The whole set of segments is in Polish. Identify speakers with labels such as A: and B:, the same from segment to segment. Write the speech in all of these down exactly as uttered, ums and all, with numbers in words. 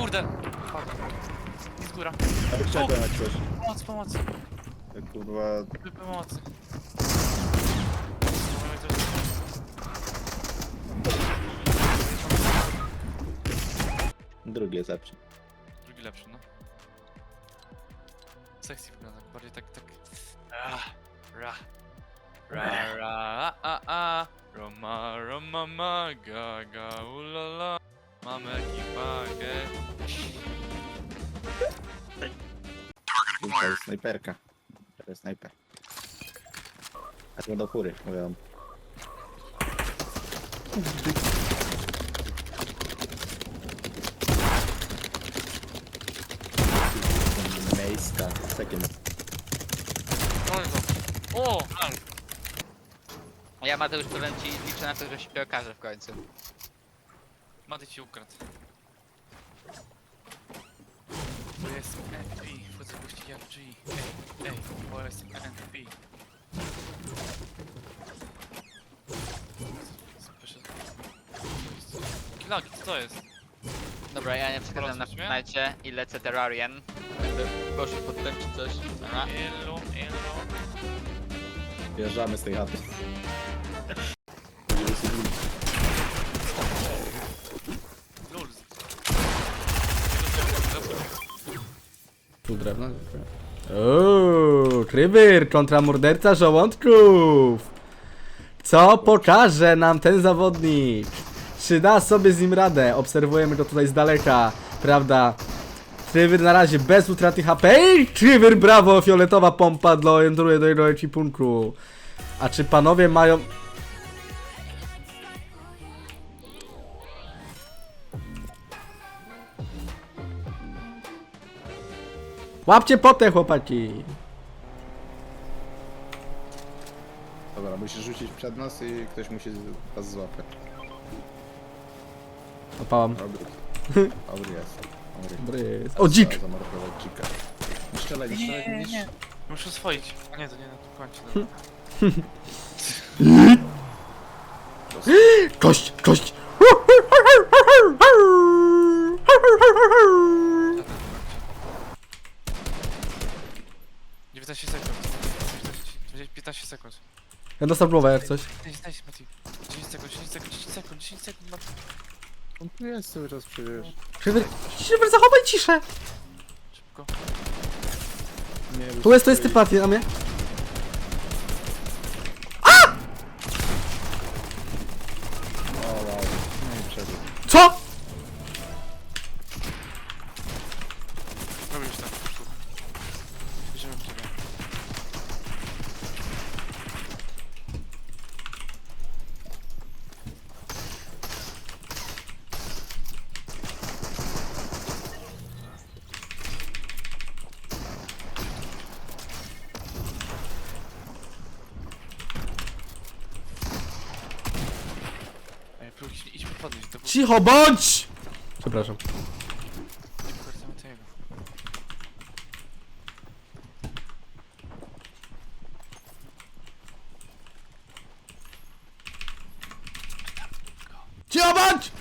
A: kurde! Padł. Z góra.
B: Ale chciałem jak coś.
A: Pomoc, pomoc.
B: Jak kurwa...
A: Wy- Pomocy.
B: Drugi jest lepszy.
A: Drugi lepszy, no. Sexy wygląda, bardziej tak, tak... Ra, ra, ra, ra, a, a, Roma, Roma, ma, ga, ga, ulala. Mamy ekipagę.
B: To jest snajperka. To jest snajper. A to do fury, mówią. Miejska, second.
A: O!
C: Ja Mateusz powiem ci, liczę na to, że się okaże w końcu.
A: Mady ci ukradł. Bo jest N P, wchodzę w gości jak G. Ej, ej, bo jest N P. Kilagi, co to jest?
C: Dobra, ja nie przeszkadzam na
A: Porozmawiamy?
C: Fortnite i lecę Terrarian. Będę poszedł pod tym czy coś. Dobra.
A: Elo, elo.
B: Wjeżdżamy z tej chaty.
A: Lulz.
D: Tu drewno. Uuu, Krybyr kontra morderca żołądków. Co pokaże nam ten zawodnik? Czy da sobie z nim radę? Obserwujemy go tutaj z daleka, prawda? Krywyr na razie bez utraty H P. Ej, Krywyr, brawo! Fioletowa pompa dołączuje do jego ekipunku. A czy panowie mają... Łapcie potę, chłopaki!
B: Dobra, musisz rzucić przed nas i ktoś musi was złapać.
D: Opałam.
B: Dobry. Dobry jest. Dobry.
D: Dobry. O, dzik!
B: Zamordował dzika. Nie strzelaj, nie strzelaj,
A: Nie,
B: nie
A: nie. Muszę oswoić. A nie, to nie, no to kończę. Dobra.
D: Kość, kość!
A: dziewiętnaście sekund. piętnaście sekund.
D: Ja dostał głowę jak coś.
A: dziesięć, Mati. dziesięć sekund, dziesięć sekund, dziesięć sekund, dziesięć sekund, Mati.
B: On tu jest cały czas przecież.
D: Krywyr, Krywyr, zachowaj ciszę!
A: Szybko.
B: Nie,
D: Tu jest, to jest typ Mati, na mnie.
B: O wow. No i przebieg.
D: Co?
A: Robisz tak. Bierzemy w ciebie. Ej, próbuj, idźmy podnieść, to było...
D: Cicho bądź! Przepraszam.
A: Nie pokażemy tego.
D: Cicho bądź!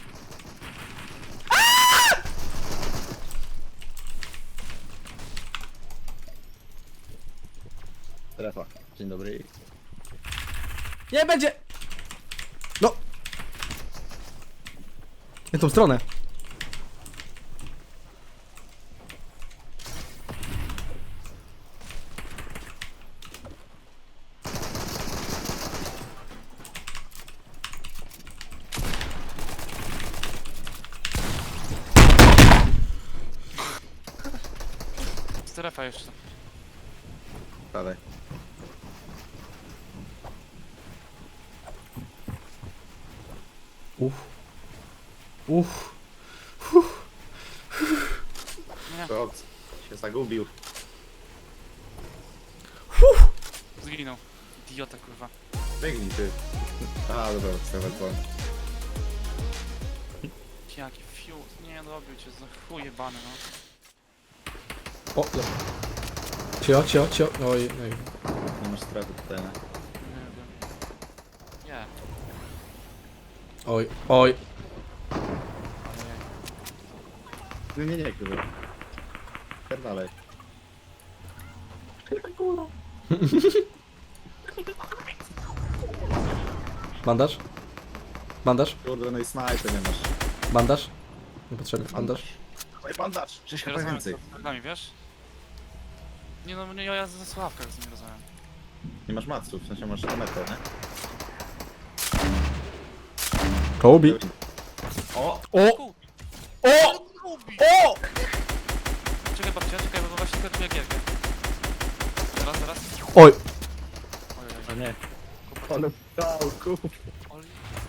B: Strefa. Dzień dobry.
D: Nie będzie! No! Nie tą stronę.
A: Strefa jeszcze.
B: Dalej.
D: Uff. Uff.
B: To się zagubił.
A: Zginął. Idiota, kurwa.
B: Biegnij ty. A dobra, strefa dzwon.
A: Jaki fiut. Nie, dobił cię, za chuj jebany, no.
D: O, no. Cio, cio, cio. Oj, oj.
B: Nie masz strefy tutaj, nie?
A: Nie wiem. Nie.
D: Oj, oj.
A: Ojej.
B: Nie, nie, nie, kurwa. Dalej.
D: Bandaż? Bandaż?
B: Kurde, no i snajpy nie masz.
D: Bandaż? Niepotrzebny. Bandaż?
B: Dawaj bandaż! Cześć,
A: Nie
B: chyba
A: rozmawiam
B: więcej.
A: z kolegami, wiesz? Nie no, nie, ja ze Sławka z nim rozmawiam.
B: Nie masz maców, w sensie masz metę, nie?
D: Kobe.
B: O!
D: O! O! O!
A: Czekaj babcia, czekaj, bo właśnie skończyłem gierkę. Zaraz, zaraz.
D: Oj!
A: Oj, oj,
B: O nie. Ale dał, kup.
A: oj.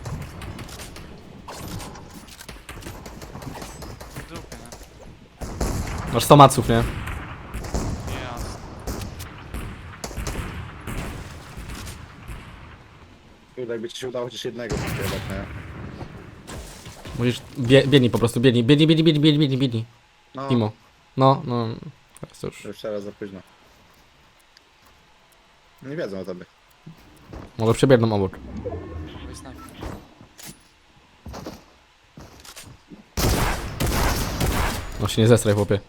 A: W dupie, nie?
D: Masz sto maców, nie?
A: Nie, jasne.
B: Kurde, jakby ci się udało chociaż jednego spróbować, nie?
D: Musisz... Bie, biedni po prostu, biedni, biedni, biedni, biedni, biedni, biedni, biedni.
B: No,
D: Imo. No, no... Teraz to już...
B: już teraz za późno. Nie wiedzą o tobie.
D: Może przebiegną obok.
A: Oj, snajper.
D: No się nie zestraj, chłopie.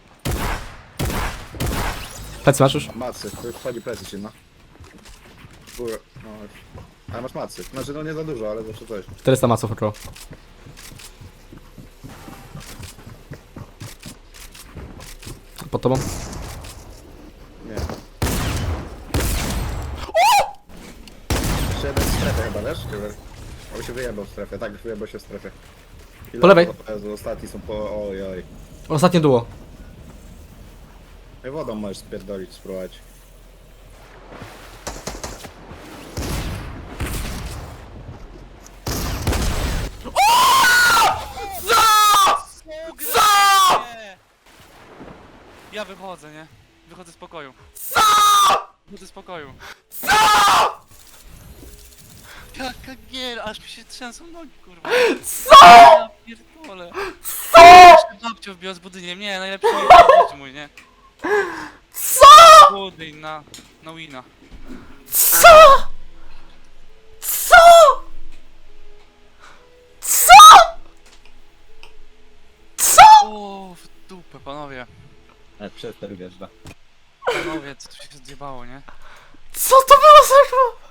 D: Plecy masz już?
B: Macy, to już wchodzi plecy ci, no. Góra, no już. Ale masz macy. Znaczy, no nie za dużo, ale zawsze coś.
D: czterysta maców około. Pod tobą?
B: Nie. Jeszcze jeden w strefie chyba, wiesz? Chyba. On się wyjebał w strefie, tak, wyjebał się w strefie. Ile
D: Po lewej.
B: to- Jezu, ostatni są po... Oj, oj.
D: Ostatnie duo.
B: I wodą możesz spierdolić, spróbować.
A: Co? Ja wychodzę, nie? Wychodzę z pokoju. Co? Wychodzę z pokoju. Co? Jaka gier, aż mi się trzęsą nogi, kurwa. Co? Ja pierdolę. Co? Babcia wbiła z budyniem, nie, najlepszy jest mój, nie? Co? Budyń na, na wina.
D: Co? Co? Co? Co?
A: O, w dupę, panowie.
B: Ale przez ten wjeżdża.
A: Panowie, co tu się zjebało, nie?
D: Co to było za...